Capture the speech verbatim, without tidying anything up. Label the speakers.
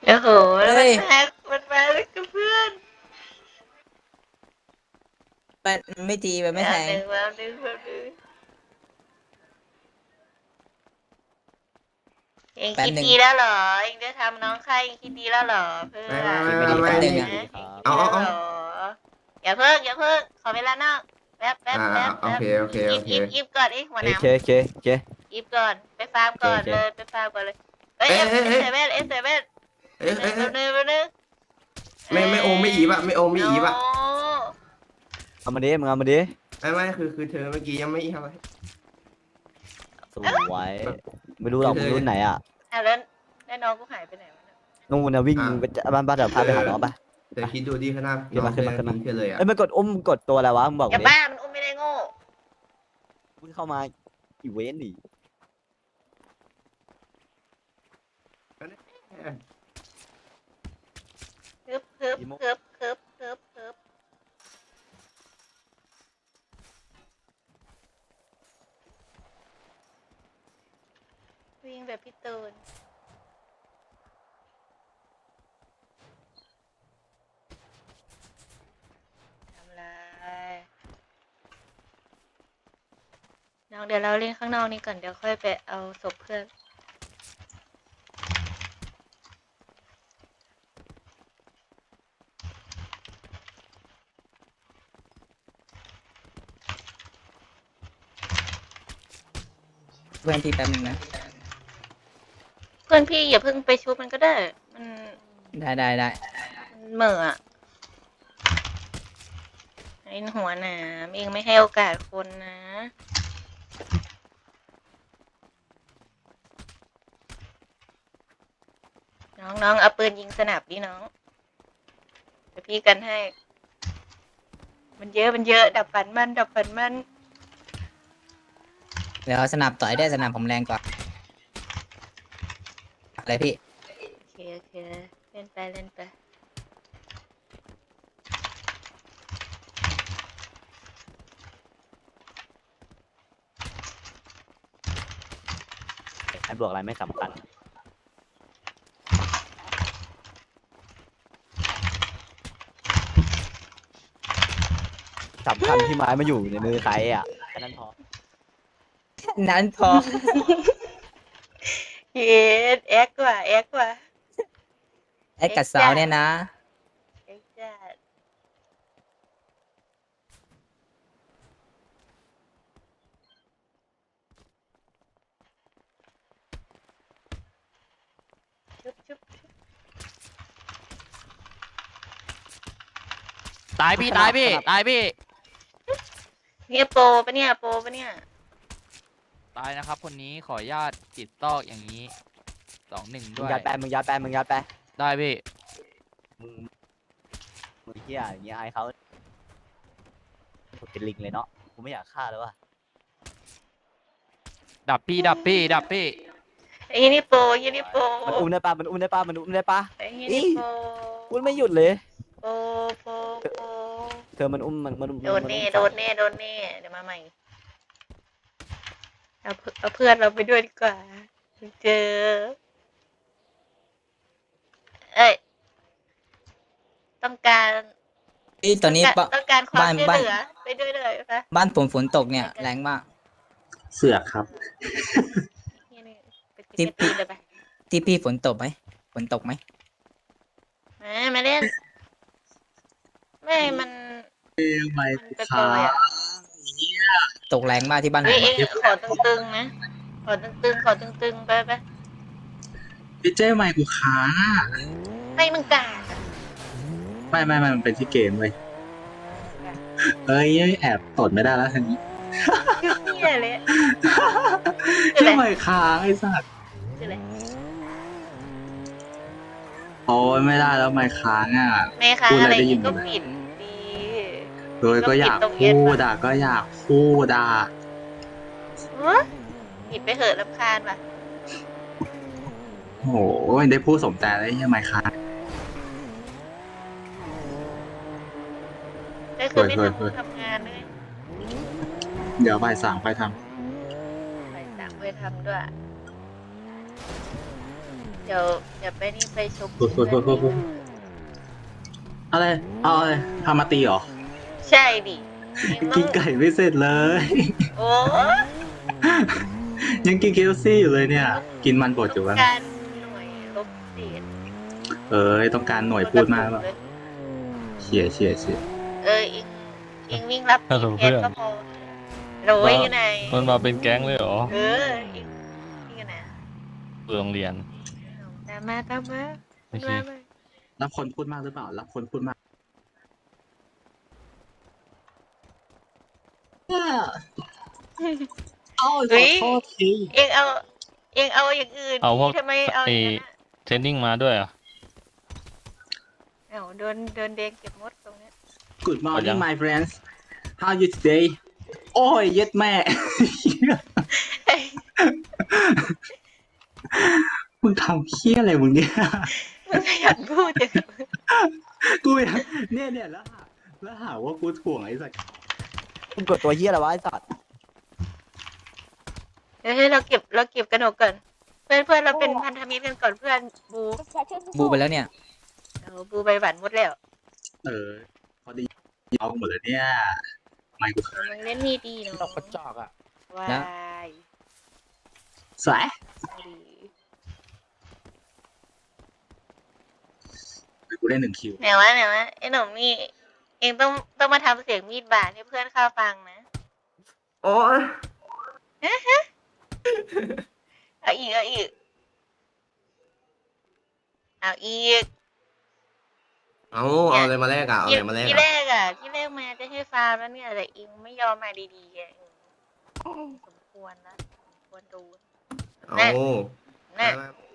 Speaker 1: โอ้โหแล้วมัน
Speaker 2: เฮ้ย
Speaker 1: มามันมาแล้วกับเพื่อน
Speaker 2: มันไม่ตีมันไม่แทง
Speaker 1: แป๊บหนึ่งแป๊บหนึ่งแป๊บหนึ่งเองคิด
Speaker 2: แป๊บหนึ่ง
Speaker 1: ดีแล้วเหรอเองจะทำน้องข้าเองคิดดีแล้วเหรอเพื่
Speaker 3: ไม่
Speaker 1: อน
Speaker 3: ไม่ไม่ไม่
Speaker 2: คิดไม่ดีแป๊บหนึ่ง
Speaker 3: ไม่
Speaker 2: อะ
Speaker 1: ฮะเองคิด
Speaker 3: เอา
Speaker 1: ดีแล้ว
Speaker 3: เอา
Speaker 1: เหร
Speaker 3: เอา
Speaker 1: ออย่าเพิ่งอย่าเพิ่งขอเวลานอกแป๊บแป๊บ
Speaker 3: อ่า
Speaker 1: แป๊บ
Speaker 3: โอ
Speaker 1: แป๊บ
Speaker 3: เคโอเคโอเค
Speaker 1: อีฟอีฟก่อนไอ้หัวห
Speaker 4: โอเค
Speaker 1: น้ำ
Speaker 4: โอเคโอเค
Speaker 1: อีฟก่อนไปฟาร์มก่อน
Speaker 4: โอเค
Speaker 1: เลยไปฟาร์มก่อนเลยเอ้ย
Speaker 3: เอ้
Speaker 1: เอย
Speaker 3: เอ้ย
Speaker 1: เอ
Speaker 3: เอ้ย
Speaker 1: เซเว่นเอเซเว่น
Speaker 3: เอ้ย
Speaker 1: แป๊
Speaker 3: เอ้ย
Speaker 1: บ
Speaker 3: เอ้ย
Speaker 1: นึงแป๊บนึง
Speaker 3: ไม่ไม่โอมไม่อีบอะไม่โอมไม่อีบอะ
Speaker 4: เอามาดิมึงเอามาดิ
Speaker 3: ไม่ไม่คือคือเธอเมื่อกี้ยังไม่อีบอะ
Speaker 4: สวยไม่รู้หรอกมึงรุ่นไหนอ่ะ
Speaker 1: อ่ะแล้วแล้วน้องกูหายไปไหนวะเนี่ย
Speaker 4: นู่นนะวิ่งไปบ้านบ้านเดี๋ยวพาไปหาน้องปะ
Speaker 3: เธอคิดดูดิข้างหน้า
Speaker 4: ขึ้นมาขึ้นมาขึ้นมา
Speaker 3: ทิ้งเธอเลยอะ
Speaker 4: เอ้ยมันกดอุ้มกดตัวอะไรวะมึงบอก
Speaker 1: อย่า
Speaker 4: ดิ
Speaker 1: บ้ามันอุ้มไม่ได้โง่
Speaker 4: มึงเข้ามาอีเวนต์ดิ
Speaker 1: ฮึบฮึบฮึบฮึบฮึบฮึบวิ่งแบบพี่ตูนทำไรน้องเดี๋ยวเราเล่นข้างนอกนี้ก่อนเดี๋ยวค่อยไปเอาศพเพื่อน
Speaker 2: เพื่อนพี่แป๊บหนึงนะ
Speaker 1: เพื่อนพี่อย่าเพิ่งไปชุบมันก็ได้ มัน
Speaker 2: ได้ได้ได้
Speaker 1: มันเหม่ออะไอ้หัวหนามเองไม่ให้โอกาสคนนะ น้องน้องเอาปืนยิงสนับดิน้องเดี๋ยวพี่กันให้ มันเยอะมันเยอะ ดับฝันมัน ดับฝันมัน
Speaker 2: เดี๋ยวสนับต่อยได้สนับผมแรงกว่าอะไรพี่
Speaker 1: โอเคโอเคเล่นไปเล่นไป
Speaker 4: ไอ้บวกอะไรไม่สำคัญสำคัญที่ไม้มาอยู่ในมือใครอ่ะแค่นั้นพอ
Speaker 2: นั้นพอ
Speaker 1: เย็ดแอ็กกว่าแอ็กกว่า
Speaker 2: ไอ้กัดสาวเนี่ยนะ
Speaker 1: แอ็กจัดชุบชุบชุบ
Speaker 5: ตายพี่ตายพี่ตายพี่
Speaker 1: เนี่ยโปรปะเนี่ยโปรปะเนี่ย
Speaker 5: ตายนะครับ คนนี้ขออนุญาตติดตอกอย่างนี้สองหนึ่ง
Speaker 4: มึ
Speaker 5: ด้
Speaker 4: ง
Speaker 5: วย
Speaker 4: ยัดแปมึงยัดแปมึงยัดแป
Speaker 5: ได้พี่
Speaker 4: มึงมึงเฮียอย่างเงี้ยไอ้เขาเป็นลิงเลยเนาะกูไม่อยากฆ่าแล้วว่ะ
Speaker 5: ดับพี่ดับพี่ดับพี่
Speaker 1: ไอ้นี่โปรไอ้นี่โปร
Speaker 4: มันอุ้มได้ปะมันอุ้มได้ปะมันอุ้มได้ปะ
Speaker 1: ไอ้นี่โปร
Speaker 4: อุ้มไม่หยุดเลย
Speaker 1: โปรโปรโปร
Speaker 4: เธอมันอุ้มมันมัน
Speaker 1: โดนเน่โดนเน่โดนเน่เดี๋ยวมาใหม่เอาเพื่เอาเพื่อนเราไปด้วยดีกว่าเจอเอ้ยต้องการ
Speaker 2: พี่ตอนนี้
Speaker 1: ต้องการ
Speaker 2: บ
Speaker 1: ต้องการความ
Speaker 2: บ้าน
Speaker 1: ช่วย
Speaker 2: บ้าน
Speaker 1: เหลือไปด้วยเลยปะ
Speaker 2: บ้านผมฝนตกเนี่ยแรงมาก
Speaker 6: เสือกครับ
Speaker 1: นี่นี่ไป
Speaker 2: ที่
Speaker 1: ไปตีเลยไป
Speaker 2: ที่พี่ฝนตกไหมฝนตกไหม
Speaker 1: มามาเล่นไม่มัน
Speaker 6: ไม่
Speaker 1: มันไปโปรยอ่ะ
Speaker 2: ตกแรงมากที่บ้านผ
Speaker 1: เฮ้ย
Speaker 2: ม
Speaker 1: เองขอตึงๆนะขอตึงๆขอตึงๆไปไป
Speaker 6: พี่เจ้ไม่กูค้างอะ
Speaker 1: ให้มึงกาดอะ
Speaker 6: ไม่ไม่ไม่มันเป็นที่เกมเว้ยเอ้ยแอบตดไม่ได้แล้วทีนี้
Speaker 1: ชื่อเหี้ยเลยอะ
Speaker 6: เจ้ไม่ค้างไอ้สัตว์
Speaker 1: ชื่ออะไร
Speaker 6: โอ้ยไม่ได้แล้วไม่ค้างอ่ะ
Speaker 1: แม่ค้า
Speaker 6: พูด
Speaker 1: อะ
Speaker 6: อะไร ไรได้ยิ
Speaker 1: อี
Speaker 6: น
Speaker 1: ก
Speaker 6: หม
Speaker 1: ก็
Speaker 6: ดเลย
Speaker 1: ปิดดี
Speaker 6: โดยก็อยากพูดอ่ะก็อยากพูดอ่ะ
Speaker 1: ฮะปิดไปเหอะรำคาญว่ะ
Speaker 6: โอ้โหได้พูดสมใจแล้วยังไม่ค้าง
Speaker 1: ก็คือไม่
Speaker 6: เฮ้ยเฮ้ย
Speaker 1: ทำทำงานด้วย
Speaker 6: เดี๋ยวบ่ายสามไปท
Speaker 1: ไปสั่งไปทำด้วยใจเดี๋ยวเดี๋ยวไปนี่ไปชม
Speaker 6: พูดพูดพูดพูดพูด อะไรเอาอะไรพามาตีเหรอ
Speaker 1: ใช่ดิเองต้
Speaker 6: กิ
Speaker 1: อน ง
Speaker 6: ไก่ไม่เสร็จเลย
Speaker 1: โอ้
Speaker 6: ยังกินเคฟซี่อยู่เลยเนี่ย กินมันบดอยู่
Speaker 1: ต้
Speaker 6: วะ
Speaker 1: องการหน่วยลบเศษ
Speaker 6: เออต้องการหน่วยพูดมากแล้วเฉียเฉียเฉีย
Speaker 1: เออเองเองวิ่งรับ
Speaker 5: ฮัลโหล
Speaker 1: แกนก็พอโรยกันไหน
Speaker 5: มันมาเป็นแก๊งเลยเหรอ
Speaker 1: เออเองนี่กันนะ
Speaker 5: โรงเรียน
Speaker 1: ตามมาตามมา
Speaker 5: โอเค
Speaker 1: มามา
Speaker 6: รับคนพูดมากหรือเปล่า รับคนพูดมากเอ้าขอโทษที
Speaker 1: เองเอาเองเอาอย่างอื่น
Speaker 5: เอาพวก
Speaker 1: ทำไมเอาอย่างนั้นอะ
Speaker 5: เทรนนิ่งมาด้วยเหรอ่ะ
Speaker 1: เอาโดนโดนเดงเก็บมดตรงเนี้ย
Speaker 6: Good
Speaker 5: เอายั
Speaker 6: morning
Speaker 5: ง
Speaker 6: my friends how you today โอ้ยเย็ดแม่ มึงทำเคี้ยอะไรมึงเนี่ย
Speaker 1: มันขยันพูดจัง
Speaker 6: กูอยากเนี่ยเนี่ยแล้วหาแล้วหาว่ากูถ่วงไอ้สัส
Speaker 4: มึงกดตัวเฮียอะไรวะไอ้สัตว์
Speaker 1: เดี๋ยวให้เราเก็บเราเก็บกระหนกก่อนเพื่อนเพื่อนเราเป็นพันธมิตรกันก่อนเพื่อนบู
Speaker 2: บูไปแล้วเนี่ย
Speaker 1: เอาบูใบหวานหมดแล้ว
Speaker 6: เออพอดีเอาหมดเลยเนี่ยไม่กู
Speaker 1: แต่มึงเล่นมีดีเนาะ
Speaker 4: ดอกกระจอกอ่ะ
Speaker 1: วา
Speaker 2: นะ
Speaker 1: ย
Speaker 6: สาย
Speaker 1: ดี
Speaker 6: กูได้หนึ่งคิว
Speaker 1: ไหนวะไหนวะไอ้หนุ่มนี่เองต้องต้องมาทำเสียงมีดบาดให้เพื่อนข้าฟังนะ
Speaker 3: โอ้ย
Speaker 1: เอาอีกเอาอีกเอาอีก
Speaker 3: เอาเอาอะไรมาแลกอ่ะเอาอะไรมาแลก
Speaker 1: ที่
Speaker 3: อ่ะ
Speaker 1: แรกอ่ะที่แรกมาจะให้ฟาร์มแล้วเนี่ยแต่เองไม่ยอมมาดีๆอ่ะสมควรนะสมควรดู
Speaker 3: เอา
Speaker 1: น่ะ
Speaker 3: มา